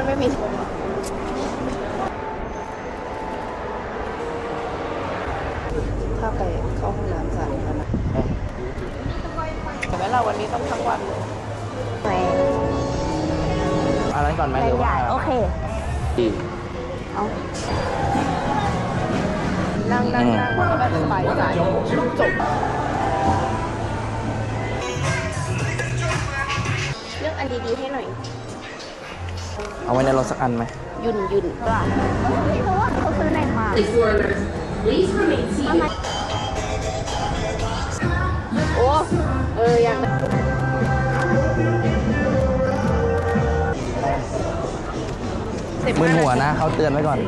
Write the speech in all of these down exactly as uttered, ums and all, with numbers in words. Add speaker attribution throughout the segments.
Speaker 1: ไม่มีถ้าไปเข้าห้องน้ำสาธารณะแต่แม้เราวันนี้ต้องทั้งวันเลย
Speaker 2: อันนั้นก่อนไหมหรือว่า
Speaker 3: โอเคเอา
Speaker 1: นั่งนั่งนั่งแล้วแบบสบายใจจบเลือกอันดีๆให้หน่อย
Speaker 2: เอาไว้ในรถสักอันไหม
Speaker 1: ยุ่นยุ่นก็
Speaker 3: เพราะว่าเขาซื้อในมา
Speaker 1: โอ้เออยัง
Speaker 2: มึนหัวนะเขาเตือนไว้ก่อน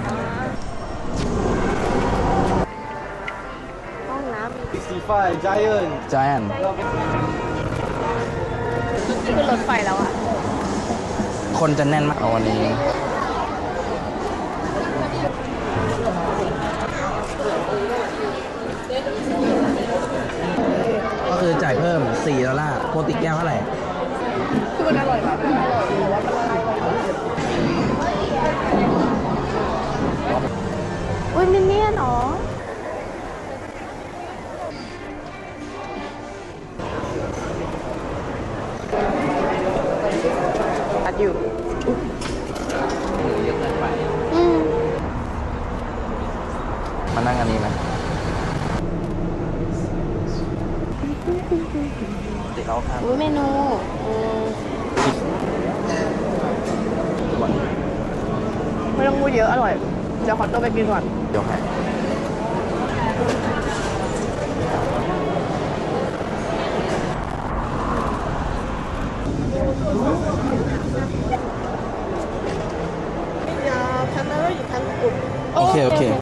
Speaker 1: ห้องน้ำ
Speaker 4: สี่สิบห้า Giant
Speaker 2: Giant
Speaker 1: ขึ้นรถไฟแล้วอ่ะ
Speaker 2: คนจะแน่นมากวันนี้ก็คือจ่ายเพิ่มสี่ดอลลาร์โปรติแก้วเท่าไหร่
Speaker 1: คือมันอร่อยมากอร่อยแต่ว่ามันละลายอุ้ยมินเนี่ยนเหรออัดอยู่
Speaker 2: เยอะเกินไป
Speaker 1: อืม
Speaker 2: มานั่งอันนี้ไหมติดเราครับ
Speaker 1: อุ้ยเมนูไม่ต้องพูดเยอะอร่อยเดี๋ยวขอตัวไปกินก่อน
Speaker 2: เดี๋ยวให้โอเคโอเค